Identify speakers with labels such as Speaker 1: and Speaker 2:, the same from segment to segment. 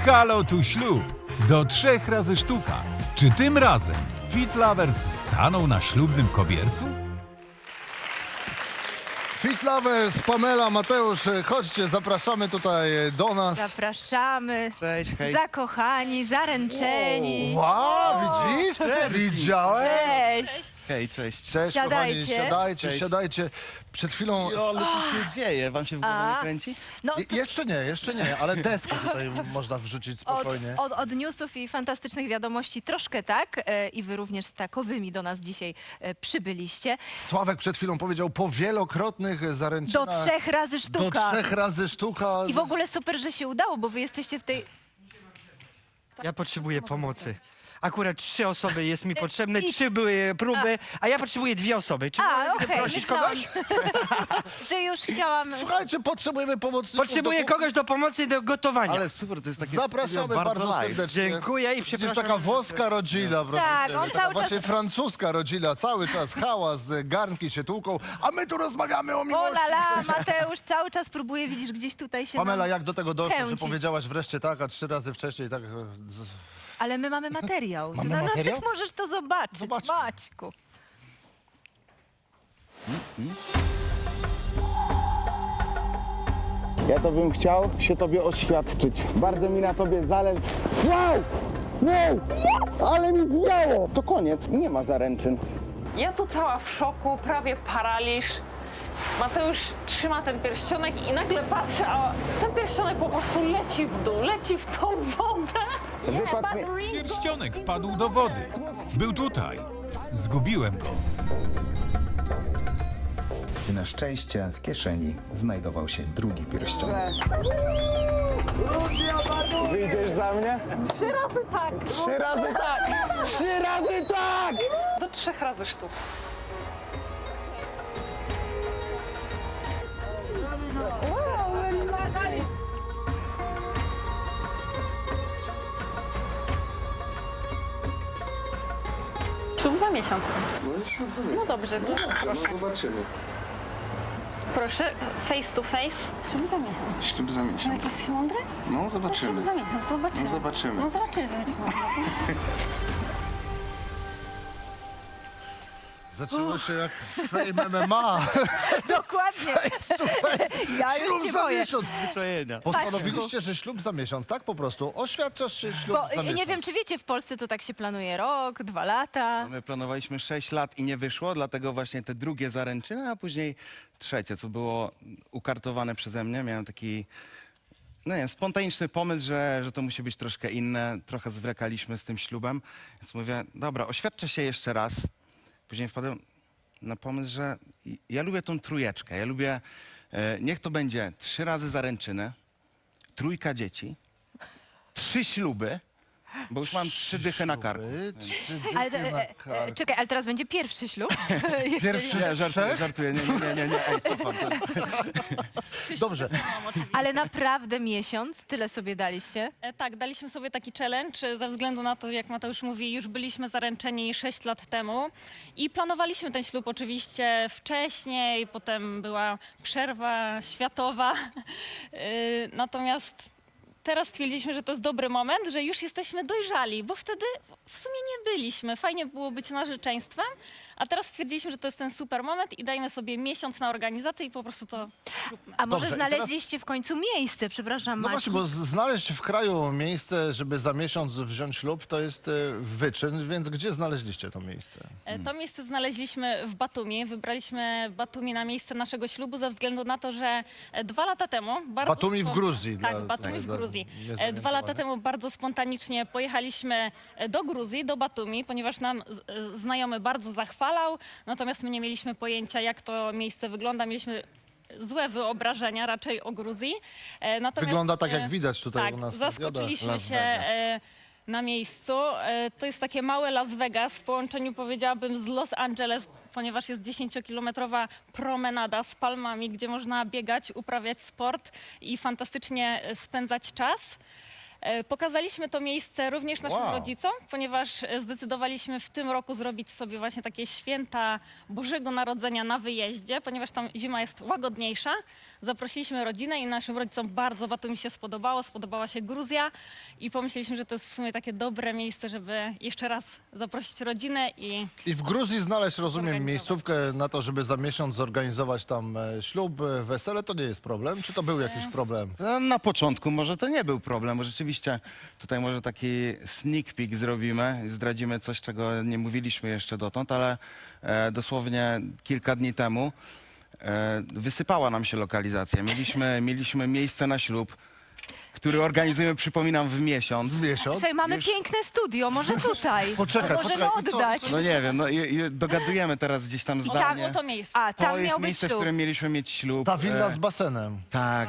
Speaker 1: Halo tu ślub. Do 3 razy sztuka. Czy tym razem Fit Lovers staną na ślubnym kobiercu?
Speaker 2: Fit Lovers, Pamela, Mateusz, chodźcie, zapraszamy tutaj do nas.
Speaker 3: Zapraszamy.
Speaker 4: Cześć, hej.
Speaker 3: Zakochani, zaręczeni.
Speaker 2: Wow, widzisz? Widziałem?
Speaker 3: Cześć.
Speaker 4: Hej, cześć.
Speaker 2: Cześć,
Speaker 3: Siadajcie.
Speaker 2: kochani, siadajcie,
Speaker 4: Cześć.
Speaker 2: siadajcie. Przed chwilą...
Speaker 4: Ale co się dzieje? Wam się w głowie nie kręci?
Speaker 3: No, to
Speaker 2: Jeszcze nie, ale deskę tutaj można wrzucić spokojnie.
Speaker 3: od newsów i fantastycznych wiadomości troszkę tak. I wy również z takowymi do nas dzisiaj przybyliście.
Speaker 2: Sławek przed chwilą powiedział po wielokrotnych zaręczynach.
Speaker 3: Do 3 razy
Speaker 2: Do
Speaker 3: sztuka.
Speaker 2: 3 razy sztuka.
Speaker 3: I w ogóle super, że się udało, bo wy jesteście w tej...
Speaker 5: Ja potrzebuję pomocy. Akurat 3 osoby jest mi potrzebne,
Speaker 3: i-
Speaker 5: 3 były próby, a ja potrzebuję 2 osoby. Czy mogę
Speaker 3: okej,
Speaker 5: prosić kogoś?
Speaker 3: że już chciałam...
Speaker 2: Słuchajcie, potrzebujemy pomocników.
Speaker 5: Potrzebuję kogoś do pomocy do gotowania.
Speaker 4: Ale super, to jest takie
Speaker 2: Zapraszamy
Speaker 4: studio
Speaker 2: bardzo
Speaker 4: live.
Speaker 2: serdecznie.
Speaker 5: Dziękuję i
Speaker 2: Widzisz,
Speaker 5: przepraszam.
Speaker 2: taka włoska rodzina, proszę
Speaker 3: Tak,
Speaker 2: ciebie,
Speaker 3: on
Speaker 2: taka
Speaker 3: cały
Speaker 2: właśnie
Speaker 3: czas-
Speaker 2: francuska rodzina, cały czas hałas, garnki się tłuką, a my tu rozmawiamy o
Speaker 3: O
Speaker 2: miłości.
Speaker 3: la la, Mateusz cały czas próbuje, widzisz, gdzieś tutaj się...
Speaker 2: Pamela,
Speaker 3: nam
Speaker 2: jak do tego doszło, że
Speaker 3: kręcić.
Speaker 2: powiedziałaś wreszcie tak, a 3 razy wcześniej tak...
Speaker 3: Ale my mamy materiał.
Speaker 2: Mamy
Speaker 3: Nawet
Speaker 2: materiał?
Speaker 3: możesz to zobaczyć,
Speaker 2: Zobaczmy.
Speaker 3: Maćku.
Speaker 6: Ja to bym chciał się tobie oświadczyć. Bardzo mi na tobie zależy. Wow! Wow! Ale mi zwiało! To koniec, nie ma zaręczyn.
Speaker 7: Ja tu cała w szoku, prawie paraliż. Mateusz trzyma ten pierścionek i nagle patrzę, a ten pierścionek po prostu leci w dół, leci w tą wodę.
Speaker 6: Wypadł mi...
Speaker 1: Pierścionek wpadł do wody. Był tutaj. Zgubiłem go.
Speaker 8: I na szczęście w kieszeni znajdował się drugi pierścionek.
Speaker 6: Wyjdziesz za mnie?
Speaker 7: 3 razy tak.
Speaker 6: 3 razy tak! 3 razy tak!
Speaker 7: Do 3 razy sztuk. Ślub za miesiąc. No dobrze, to proszę.
Speaker 6: Zobaczymy.
Speaker 7: Proszę, face to face. Ślub za miesiąc.
Speaker 6: Ślub za miesiąc.
Speaker 7: Jak jesteś mądry?
Speaker 6: No
Speaker 7: Ślub
Speaker 6: zobaczymy.
Speaker 7: za miesiąc, zobaczymy.
Speaker 6: No zobaczymy.
Speaker 7: No zobaczymy.
Speaker 2: Zaczęło się jak Fame MMA.
Speaker 3: Dokładnie. Ja już
Speaker 2: Ślub
Speaker 3: się
Speaker 2: za
Speaker 3: boję.
Speaker 2: miesiąc.
Speaker 4: Zwyczajenia.
Speaker 2: Postanowiliście, że ślub za miesiąc, tak po prostu? Oświadczasz się ślub
Speaker 3: Bo
Speaker 2: za miesiąc.
Speaker 3: nie wiem, czy wiecie, w Polsce to tak się planuje rok, 2 lata.
Speaker 4: My planowaliśmy 6 lat i nie wyszło, dlatego właśnie te drugie zaręczyny, a później trzecie, co było ukartowane przeze mnie. Miałem taki no nie, spontaniczny pomysł, że to musi być troszkę inne. Trochę zwlekaliśmy z tym ślubem. Więc mówię, dobra, oświadczę się jeszcze raz. Później wpadłem na pomysł, że ja lubię tą trójeczkę. Ja lubię, niech to będzie 3 razy zaręczyny, 3 dzieci, 3 śluby, bo już mam 3 dychy na karku.
Speaker 2: 3
Speaker 3: Ale,
Speaker 2: dychy na karku.
Speaker 3: czekaj, ale teraz będzie pierwszy ślub.
Speaker 2: Pierwszy
Speaker 4: Nie,
Speaker 2: z
Speaker 4: żartuję,
Speaker 2: 3?
Speaker 4: żartuję. Nie. Ej, cofam.
Speaker 2: Dobrze.
Speaker 3: Ale naprawdę miesiąc, tyle sobie daliście.
Speaker 7: Tak, daliśmy sobie taki challenge ze względu na to, jak Mateusz mówi, już byliśmy zaręczeni 6 lat temu i planowaliśmy ten ślub oczywiście wcześniej, potem była przerwa światowa. Natomiast teraz stwierdziliśmy, że to jest dobry moment, że już jesteśmy dojrzali, bo wtedy w sumie nie byliśmy. Fajnie było być narzeczeństwem, a teraz stwierdziliśmy, że to jest ten super moment i dajmy sobie miesiąc na organizację i po prostu to róbmy.
Speaker 3: A może
Speaker 2: Dobrze, i teraz-
Speaker 3: znaleźliście w końcu miejsce, przepraszam,
Speaker 2: No
Speaker 3: Maciek.
Speaker 2: właśnie, bo znaleźć w kraju miejsce, żeby za miesiąc wziąć ślub, to jest wyczyn, więc gdzie znaleźliście to miejsce?
Speaker 7: To miejsce znaleźliśmy w Batumi. Wybraliśmy Batumi na miejsce naszego ślubu ze względu na to, że 2 lata temu... Bardzo
Speaker 2: Batumi w Gruzji.
Speaker 7: Tak,
Speaker 2: dla-
Speaker 7: Batumi w
Speaker 2: dla
Speaker 7: Gruzji.
Speaker 2: niezorientowanych.
Speaker 7: 2 lata temu bardzo spontanicznie pojechaliśmy do Gruzji, do Batumi, ponieważ nam znajomy bardzo zachwalał, natomiast my nie mieliśmy pojęcia, jak to miejsce wygląda. Mieliśmy złe wyobrażenia raczej o Gruzji. Natomiast,
Speaker 2: Wygląda tak, jak widać tutaj
Speaker 7: tak,
Speaker 2: u nas na
Speaker 7: zaskoczyliśmy
Speaker 4: Las
Speaker 7: się
Speaker 4: Vegas.
Speaker 7: na miejscu. To jest takie małe Las Vegas w połączeniu, powiedziałabym, z Los Angeles, ponieważ jest 10-kilometrowa promenada z palmami, gdzie można biegać, uprawiać sport i fantastycznie spędzać czas. Pokazaliśmy to miejsce również naszym
Speaker 2: Wow.
Speaker 7: rodzicom, ponieważ zdecydowaliśmy w tym roku zrobić sobie właśnie takie święta Bożego Narodzenia na wyjeździe, ponieważ tam zima jest łagodniejsza. Zaprosiliśmy rodzinę i naszym rodzicom bardzo Batumi się spodobała się Gruzja i pomyśleliśmy, że to jest w sumie takie dobre miejsce, żeby jeszcze raz zaprosić rodzinę i
Speaker 2: I w Gruzji znaleźć, rozumiem,
Speaker 7: Zorganizować.
Speaker 2: miejscówkę na to, żeby za miesiąc zorganizować tam ślub, wesele, to nie jest problem? Czy to był jakiś problem?
Speaker 4: Na początku może to nie był problem, bo rzeczywiście tutaj może taki sneak peek zrobimy, zdradzimy coś, czego nie mówiliśmy jeszcze dotąd, ale dosłownie kilka dni temu wysypała nam się lokalizacja. Mieliśmy miejsce na ślub, który organizujemy, przypominam, w miesiąc.
Speaker 2: Miesiąc?
Speaker 3: Słuchaj, mamy
Speaker 4: Już-
Speaker 3: piękne studio, może tutaj.
Speaker 2: Poczekaj,
Speaker 3: Możemy
Speaker 2: poczekaj. I co-
Speaker 3: oddać.
Speaker 4: No nie wiem, no i dogadujemy teraz gdzieś tam
Speaker 7: tam
Speaker 4: zdanie.
Speaker 7: było to miejsce.
Speaker 3: A,
Speaker 4: To
Speaker 3: tam
Speaker 4: jest
Speaker 3: miał być
Speaker 4: miejsce, w
Speaker 3: ślub.
Speaker 4: którym mieliśmy mieć ślub.
Speaker 2: Ta willa z basenem.
Speaker 4: Tak,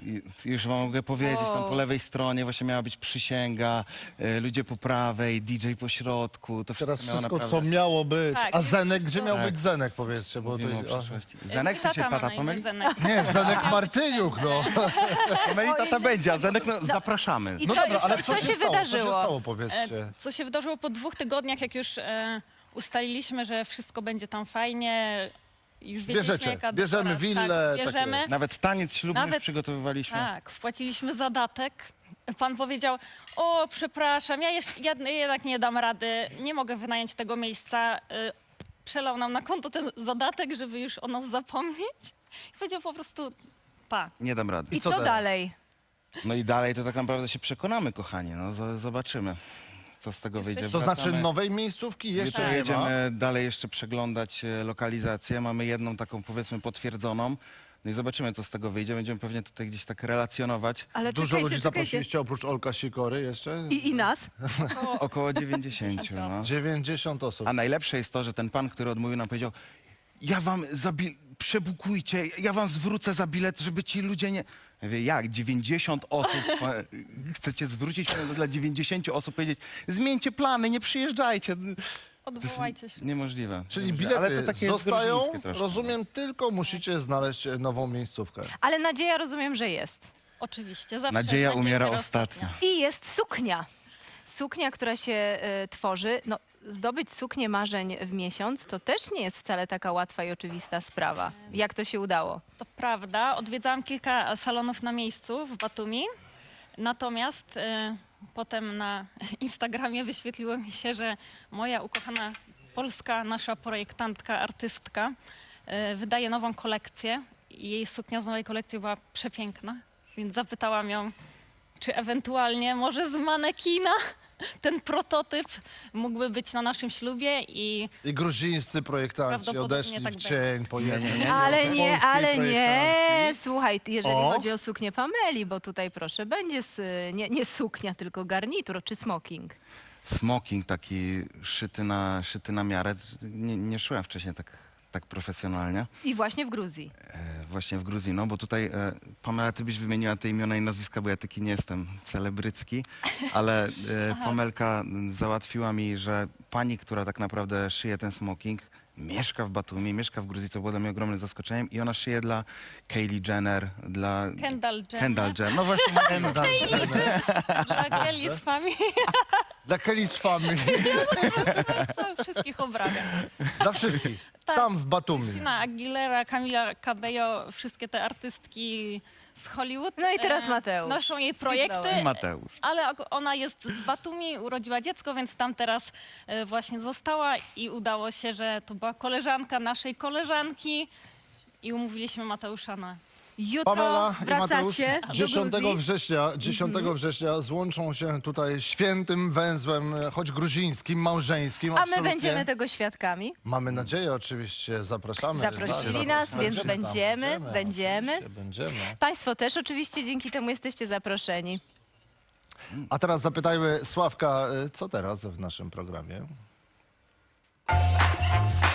Speaker 4: już wam mogę powiedzieć, tam
Speaker 3: Wow.
Speaker 4: po lewej stronie właśnie miała być przysięga, ludzie po prawej, DJ po środku, to
Speaker 2: Teraz
Speaker 4: wszystko miało
Speaker 2: wszystko,
Speaker 4: naprawdę...
Speaker 2: co miało być.
Speaker 7: Tak,
Speaker 2: A Zenek, gdzie miał
Speaker 4: Tak.
Speaker 2: być Zenek, powiedzcie? Bo
Speaker 4: Mówimy o
Speaker 2: to,
Speaker 4: przyszłości. Zenek
Speaker 7: Mój
Speaker 4: czy cię
Speaker 7: ma
Speaker 4: tata
Speaker 7: na imię
Speaker 4: pomyli?
Speaker 7: Zenek.
Speaker 2: nie, Zenek Martyniuk, no.
Speaker 4: Pomyli tata będzie, a Zenek no, zapraszamy.
Speaker 3: I
Speaker 2: No
Speaker 3: co,
Speaker 2: dobra, ale
Speaker 3: co
Speaker 2: co
Speaker 3: się
Speaker 2: stało? Co się
Speaker 3: wydarzyło?
Speaker 2: stało, powiedzcie?
Speaker 7: Co się wydarzyło po 2 tygodniach, jak już ustaliliśmy, że wszystko będzie tam fajnie. Już wiedzieliśmy,
Speaker 2: Bierzecie,
Speaker 7: jaka
Speaker 2: bierzemy
Speaker 7: dekora-
Speaker 2: willę,
Speaker 7: Tak, bierzemy.
Speaker 2: takie.
Speaker 4: Nawet taniec ślubny
Speaker 7: Nawet-
Speaker 4: przygotowywaliśmy.
Speaker 7: Tak, wpłaciliśmy zadatek. Pan powiedział, o przepraszam, ja jednak nie dam rady, nie mogę wynająć tego miejsca. Przelał nam na konto ten zadatek, żeby już o nas zapomnieć. I powiedział po prostu, pa.
Speaker 4: Nie dam rady.
Speaker 3: I
Speaker 2: co
Speaker 3: co
Speaker 2: teraz?
Speaker 3: dalej?
Speaker 4: No i dalej to tak naprawdę się przekonamy, kochani. No zobaczymy, co z tego wyjdzie.
Speaker 2: To znaczy
Speaker 4: Wracamy.
Speaker 2: nowej miejscówki jeszcze
Speaker 4: Jutro
Speaker 2: nie ma?
Speaker 4: jedziemy dalej jeszcze przeglądać lokalizację. Mamy jedną taką, powiedzmy, potwierdzoną. No i zobaczymy, co z tego wyjdzie. Będziemy pewnie tutaj gdzieś tak relacjonować.
Speaker 3: Ale
Speaker 2: Dużo
Speaker 3: czekajcie,
Speaker 2: ludzi
Speaker 3: czekajcie.
Speaker 2: zaprosiliście oprócz Olka Sikory jeszcze?
Speaker 3: I nas?
Speaker 4: Około 90. No.
Speaker 2: 90 osób.
Speaker 4: A najlepsze jest to, że ten pan, który odmówił, nam powiedział: ja wam przebukujcie, ja wam zwrócę za bilet, żeby ci ludzie nie... Ja mówię, jak? 90 osób? Chcecie zwrócić dla 90 osób, powiedzieć: zmieńcie plany, nie przyjeżdżajcie.
Speaker 7: Odwołajcie się.
Speaker 4: Niemożliwe.
Speaker 2: Czyli
Speaker 4: Niemożliwe.
Speaker 2: bilety
Speaker 4: Ale to takie jest
Speaker 2: zostają,
Speaker 4: gruzińskie troszkę.
Speaker 2: rozumiem, tylko musicie znaleźć nową miejscówkę.
Speaker 3: Ale nadzieja rozumiem, że jest.
Speaker 7: Oczywiście, zawsze
Speaker 4: Nadzieja
Speaker 7: nadzieja
Speaker 4: umiera ostatnia.
Speaker 3: I jest suknia. Suknia, która się tworzy. No, zdobyć suknię marzeń w miesiąc to też nie jest wcale taka łatwa i oczywista sprawa. Jak to się udało?
Speaker 7: To prawda, odwiedzałam kilka salonów na miejscu w Batumi, natomiast potem na Instagramie wyświetliło mi się, że moja ukochana polska, nasza projektantka, artystka wydaje nową kolekcję i jej suknia z nowej kolekcji była przepiękna, więc zapytałam ją, czy ewentualnie może z manekina ten prototyp mógłby być na naszym ślubie i
Speaker 2: I gruzińscy projektanci
Speaker 7: Prawdopodobnie
Speaker 2: odeszli
Speaker 7: tak
Speaker 2: w cień po jednym.
Speaker 3: Ale
Speaker 2: Polskiej
Speaker 3: nie, ale nie.
Speaker 2: projektantki.
Speaker 3: Słuchaj, jeżeli
Speaker 2: O.
Speaker 3: chodzi o suknię Pameli, bo tutaj proszę, będzie nie suknia, tylko garnitur czy smoking.
Speaker 4: Smoking taki szyty na miarę. Nie szyłem wcześniej tak profesjonalnie.
Speaker 3: I właśnie w Gruzji.
Speaker 4: Właśnie w Gruzji, no bo tutaj, Pamela, ty byś wymieniła te imiona i nazwiska, bo ja taki nie jestem celebrycki, ale Pamelka załatwiła mi, że pani, która tak naprawdę szyje ten smoking, mieszka w Batumi, mieszka w Gruzji, co było dla mnie ogromnym zaskoczeniem i ona szyje dla Kylie Jenner, dla
Speaker 7: Kendall Jenner,
Speaker 4: Kendall Jenner. No właśnie,
Speaker 7: dla Kelly z Family,
Speaker 2: Dla Kelly's Family.
Speaker 7: co wszystkich obrabia.
Speaker 2: Dla wszystkich.
Speaker 7: Tak.
Speaker 2: Tam w Batumi.
Speaker 7: Christina Aguilera, Camila Cabello, wszystkie te artystki z Hollywood.
Speaker 3: No i teraz Mateusz.
Speaker 7: Noszą jej
Speaker 3: Skwitnąłeś.
Speaker 7: projekty,
Speaker 4: Mateusz.
Speaker 7: ale ona jest z Batumi, urodziła dziecko, więc tam teraz właśnie została i udało się, że to była koleżanka naszej koleżanki i umówiliśmy Mateusza na...
Speaker 3: Jutro
Speaker 2: Pamela i Mateusz
Speaker 3: wracacie do
Speaker 2: 10
Speaker 3: Gruzji.
Speaker 2: września, 10 września złączą się tutaj świętym węzłem, choć gruzińskim, małżeńskim.
Speaker 3: A my
Speaker 2: absolutnie.
Speaker 3: będziemy tego świadkami.
Speaker 2: Mamy nadzieję, oczywiście, zapraszamy.
Speaker 3: Zaprosili
Speaker 2: Tak,
Speaker 3: nas,
Speaker 2: zapraszamy.
Speaker 3: więc będziemy.
Speaker 2: Oczywiście, będziemy.
Speaker 3: Państwo też oczywiście dzięki temu jesteście zaproszeni.
Speaker 2: A teraz zapytajmy Sławka, co teraz w naszym programie?